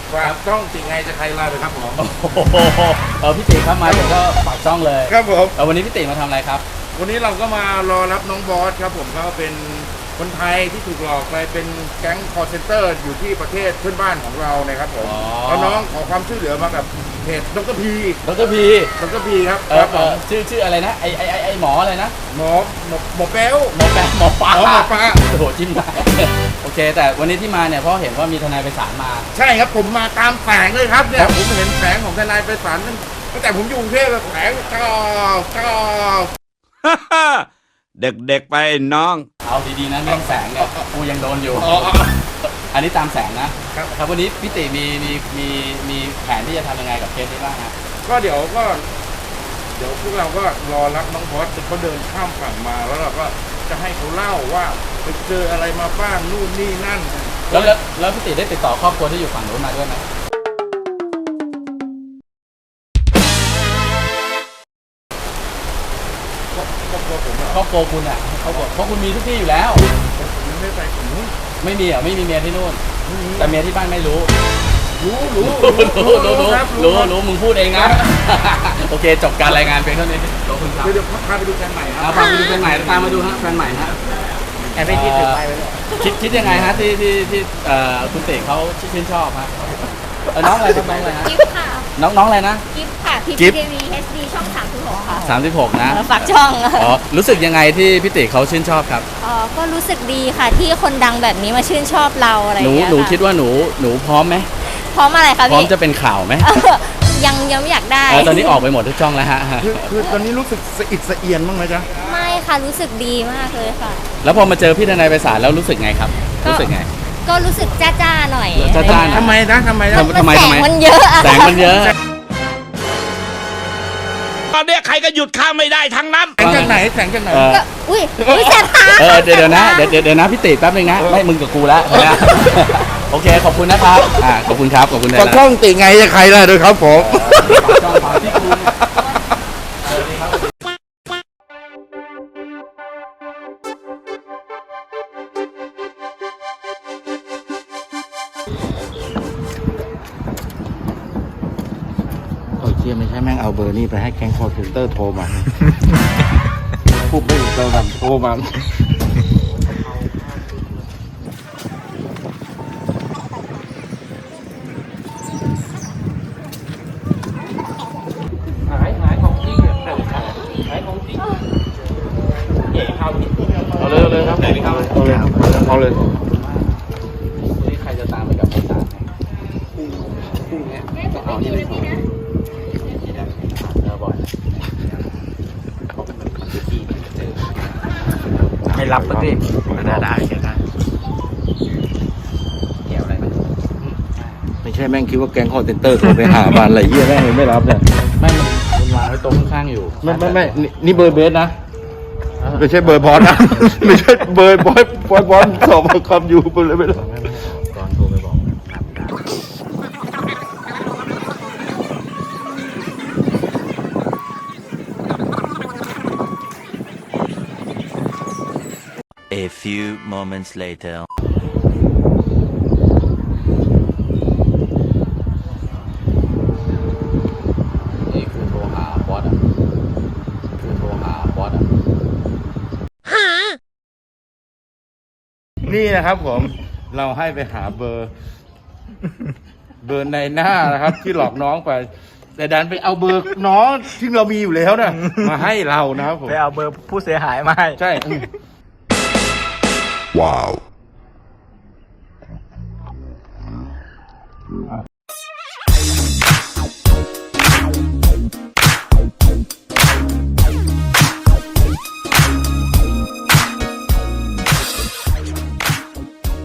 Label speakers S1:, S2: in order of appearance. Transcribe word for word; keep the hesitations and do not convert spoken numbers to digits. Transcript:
S1: ฝากช่องติไงจะใครลาเลยครับผม
S2: โอ้โหเออพี่ติครับมาถึงก็ฝากช่องเลย
S1: ครับผม
S2: เออวันนี้พี่ติมาทำอะไรครับ
S1: วันนี้เราก็มารอรับน้องบอสครับผมเขาเป็นคนไทยที่ถูกหลอกไปเป็นแก๊งคอร์เซนเตอร์อยู่ที่ประเทศเพื่อนบ้านของเรานะครับผม
S2: อ๋อ
S1: แล้วน้องขอความช่วยเหลือมากับเพจดรพี
S2: ดรพี
S1: ดรพีครับ
S2: เอ
S1: ค
S2: อ
S1: รับ
S2: เอ
S1: ผม
S2: อชื่อชื่ออะไรนะไอไอไอไอหมออะไรนะ
S1: หมอหมอหมอแป๊ว
S2: หมอแปะหมอปลา
S1: อ๋อหมอปลา
S2: โอ้โหจิ้มได้ โอเค แต่วันนี้ที่มาเนี่ยเพราะเห็นว่ามีทนายไปศาลมา
S1: ใช่ครับผมมาตามแสงเลยครับเนี่ยผมเห็นแสงของทนายไปศาลตั้งตั้งแต่ผมอยู่กรุงเทพเลยแสงก้าวก้าว
S3: เด็กๆไปน้อง
S2: เอาดีๆนะเรื่องแสงเนี่ยกูยังโดนอยู่
S1: อ๋อ
S2: อันนี้ตามแสงนะครับ ครับวันนี้พี่ติมีมีมีมีแผนที่จะทำยังไงกับเคสนี้บ้างฮะ
S1: ก็เดี๋ยวก็ เดี๋ยวพวกเราก็รอรับน้องบอสเขาเดินข้ามฝั่งมาแล้วเราก็จะให้เขาเล่าว่าไปเจออะไรมาบ้างนู่นนี่นั่น
S2: แล้วแล้วแล้วพี่ติได้ติดต่อครอบครัวที่อยู่ฝั่งนู้นมาด้วยไหม
S1: ครอบครัวผมเหรอ
S2: ครอบครัวคุณอ่ะครอบครัวเพราะคุณมีทุกที่อยู่แล้ว
S1: ผมไม่ไปผมนู้น
S2: ไม่มีอ่ะไม่มีเมียที่นู่น แต่เมียที่บ้านไม่รู้
S1: รู้รู้
S2: รู้รู้รู้
S1: ครับ
S2: รู้
S1: ครับ
S2: รู้มึงพูดเองนะ โอเคจบการรายงานเพียงเท่านี้ขอบคุณครับ
S1: เดี๋ยวเดี๋ยวพาไปดูแฟนใหม่ค
S2: เอา
S1: รับ
S2: พาไปดูแฟนใหม่ตามมาดูฮะแฟนใหม่ฮะ
S1: แต่ไม่คิดถึงไปเลย
S2: คิดคิดยังไงฮะที่ที่ที่เอ่อคุณเต๋เขาชื่นชอบฮะเออน้องอะไรครับน้องอะไรฮะ
S4: กิฟต์ค่ะ
S2: น้องน้องอะไรนะ
S4: กิฟต์ค่ะ พี
S2: กิ
S4: พี
S2: ฟต์
S4: ทีวีเอสดีช่องสามสิบหกค่ะ
S2: สามสิบหกนะ
S4: เออฝากช่อง
S2: อ๋อรู้สึกยังไงที่พี่เต๋เขาชื่นชอบครับ
S4: อ๋อก็รู้สึกดีค่ะที่คนดังแบบนี้มาชื่นชอบเราอะไรอ
S2: หนู
S4: ย่างเงี้ย
S2: หนู
S4: ะ
S2: คิดว่าหนูหนูพร้อมไหม
S4: พร้อมอะไรคะ
S2: พร้อม
S4: พี่
S2: จะเป็นข่าวไหม
S4: เออยังยังไม่อยากได้
S2: เออตอนนี้ออกไปหมดทุกช่องแล้วฮะ
S1: คือคือตอนนี้รู้สึกสะอิดสะเอียนบ้างไหมจ๊ะ
S4: ไม่ค่ะรู้สึกดีมากเลยค่ะ
S2: แล้วพอมาเจอพี่ทนายไพศาลแล้วรู้สึกไงครับ
S4: ก็
S2: รู้สึกไง
S4: ก็รู้สึกจ้าจ้าๆหน่อย
S2: จ้าๆหน่อย
S1: ทำไมนะทำไมนะ
S2: ทำ
S4: ก็
S2: ไม
S4: แส
S2: ทำ
S4: ง
S2: ไม
S4: มันเยอะอะ
S2: แสงมันเยอะ
S3: ตอนเนี้ยใครก็หยุดข้ามไม่ได้ทั้งนั้น
S1: แสงจากไหนแสงจากไหน
S2: เออ
S4: ก็อุ้ยอุ้ยแสบตา
S2: เออเดี๋ยวเดี๋ยวนะเดี๋ยวเดี๋ยวเดี๋ยวนะพี่ติแป๊บนึงนะไม่มึงกับกูแล้วนะ โอเคขอบคุณนะครับอ่าขอบคุณครับขอบคุณนะ
S1: ก็ช่องติไงจะใครล่ะด้วยครับผม
S2: ช่องฝาที่กูเออดีครับ
S1: โอ้ยเชี่ยไม่ใช่แม่งเอาเบอร์นี่ไปให้แก๊งคอร์เซนเตอร์โทรมา พูดไม่ถูกเราทำโทรมาหายหายของจริงเนี่ยหายของจริงเก๋ข้าวเอาเลยเอาเลยครับเอาเลยเอาเลย
S2: นี่ใครจะตามไปกับพี่ตาพรุ่งนี้จะเอานี่ไปส่งเออบ่อยไม่รับสักทีได้ได้ได้เกี่ยวอะไรไหม
S1: ไม่ใช่แม่งคิดว่าแก๊งคอร์เซนเตอร์โทรไปหาบ้านอะไรเยี่ยแม่งเลยไม่รับเนี่ย
S2: ไม่มันมันวางไว้โต๊ะข้างๆอยู่
S1: ไม่ไม่ไม่นี่นี่เบอร์เบสนะ ไม่ใช่เบอร์บอสนะ ไม่ใช่เบอร์บอสบอสบอสสอบคำอยู่ไปเลยไม่รู้
S2: ตอนโทรไปบอกครับได้
S5: A few moments later.
S2: นี่คือโทรหาบอสอ่ะคือโทรหาบอสอ่ะ
S1: นี่นะครับผม เราให้ไปหาเบอร์ เบอร์ในหน้านะครับ ที่หลอกน้องไป แต่ดันไปเอาเบอร์น้องที่เรามีอยู่แล้วนะมาให้เรานะครับผม
S6: ไปเอาเบอร์ผู้เสียหายมาให้
S1: ใช่อืม
S5: Wow.